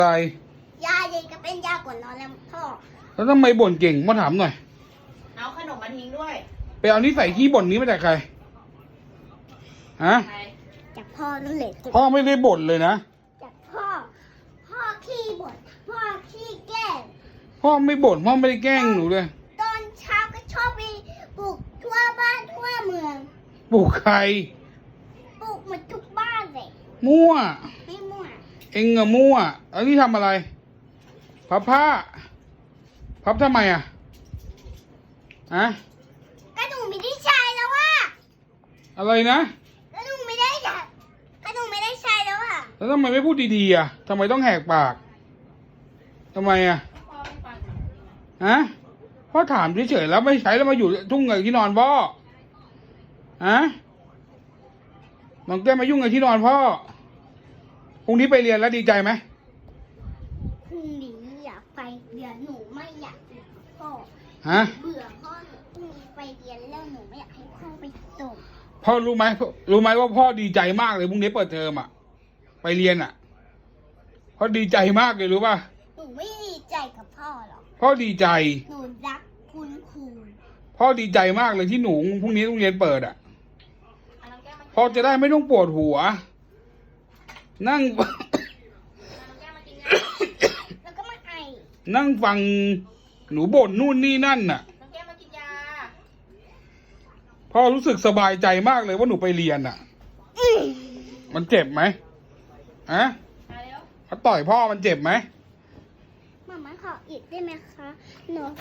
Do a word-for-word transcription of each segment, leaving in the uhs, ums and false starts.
อะไรยาเด็กก็เป็นยาก่อนนอนแล้วพ่อแล้วทำไมบ่นเก่งมาถามหน่อยเอาขนมมาทิ้งด้วยไปเอานิสัยขี้บ่นนี้มาจากใครฮะจากพ่อนั่นแหละพ่อไม่ได้บ่นเลยนะจากพ่อพ่อขี้บ่นพ่อขี้แกล้งพ่อไม่บ่นพ่อไม่ได้แกล้งหนูเลยตอนเช้าก็ชอบไปปลูกทั่วบ้านทั่วเมืองปลูกใครปลูกหมดทุกบ้านเลยมั่วไม่มั่วเอ็งอะมั่วแล้วนี่ทำอะไรพับผ้าพับทำไมอะอะก็หนูไม่ได้ใช้แล้วว่ะอะไรนะก็หนูไม่ได้ใช้ก็หนูไม่ได้ใช้แล้วอ่ะแล้วทำไมไม่พูดดีๆอะทำไมต้องแหกปากทำไมอะฮะพ่อถามเฉยๆแล้วไม่ใช้แล้วมาอยู่ทุ่งกับที่นอนพ่อฮะน้องแก้มมายุ่งกับที่นอนพ่อพรุ่งนี้ไปเรียนแล้วดีใจไหมพรุ่งนี้อยากไปเรียนหนูไม่อยากไปพ่อฮะเบื่อพ่อหนูพรุ่งนี้ไปเรียนแล้วหนูไม่อยากให้พ่อไปส่งพ่อรู้ไหมรู้ไหมว่าพ่อดีใจมากเลยพรุ่งนี้เปิดเทอมอ่ะไปเรียนอ่ะพ่อดีใจมากเลยรู้ป่ะหนูไม่ดีใจกับพ่อหรอกพ่อดีใจหนูรักคุณครูพ่อดีใจมากเลยที่หนูพรุ่งนี้โรงเรียนเปิดอ่ะพ่อจะได้ไม่ต้องปวดหัวนั่งแล้วก็มาไอนั่งฟังหนูบ่นนู่นนี่นั่นน่ะน้องแก้มมากินยาพ่อรู้สึกสบายใจมากเลยว่าหนูไปเรียนน่ะมันเจ็บไหมฮะเขาต่อยพ่อมันเจ็บไหมมาม่าขออีกได้ไหมคะหนู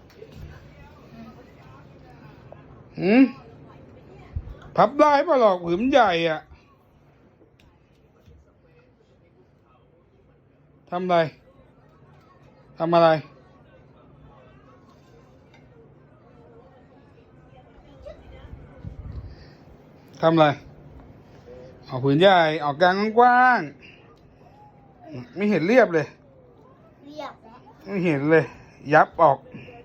หืมพับได้ป่ะหรอกผืนใหญ่อ่ะทำอะไรทำอะไรทำอะไรเอาผืนใหญ่ออกกลางกว้างๆไม่เห็นเรียบเลยเรียบแล้วไม่เห็นเลยยับออก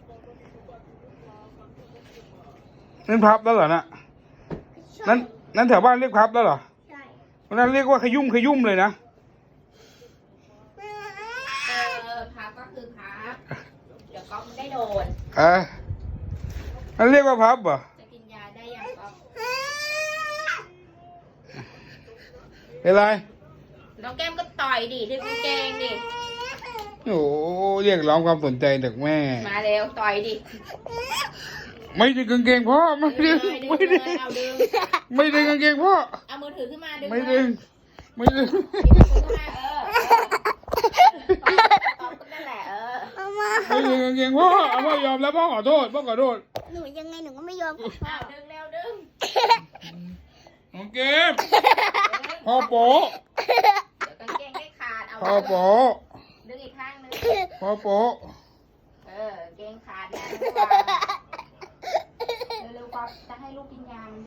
นั่นพับแล้วเหรอนะนั้นนั้นแถวบ้านเรียกพับแล้วเหรอใช่วันนั้นเรียกว่าขยุ่มขยุ่มเลยนะเออพับก็คือพับเดี๋ยวก๊อฟได้โดนเออนั่นเรียกว่าพับเหรอจะกินยาได้ยังก๊อฟเป็นไรน้องแก้มก็ต่อยดิดึงกางเกงดิโอ้เรียกร้องความสนใจจากแม่มาเร็วต่อยดิไม่ดึงกางเกงพ่อไม่ดึงไม่ดึงไม่ดึงกางเกงพ่อเอามือถือขึ้นมาดึงไม่ดึงไม่ดึงนั่นแหละเออไม่ดึงกางเกงพ่อเอาพ่อยอมแล้วพ่อขอโทษพ่อขอโทษหนูยังไงหนูก็ไม่ยอมอ้าวดึงเร็วดึงโอเคพ่อโป๊ะกางเกงไม่ขาดเอาพ่อโป๊ะดึงอีกข้างนึงพ่อโป๊ะเออเกงขาดนะเร็วๆก็จะให้ลูกกินยา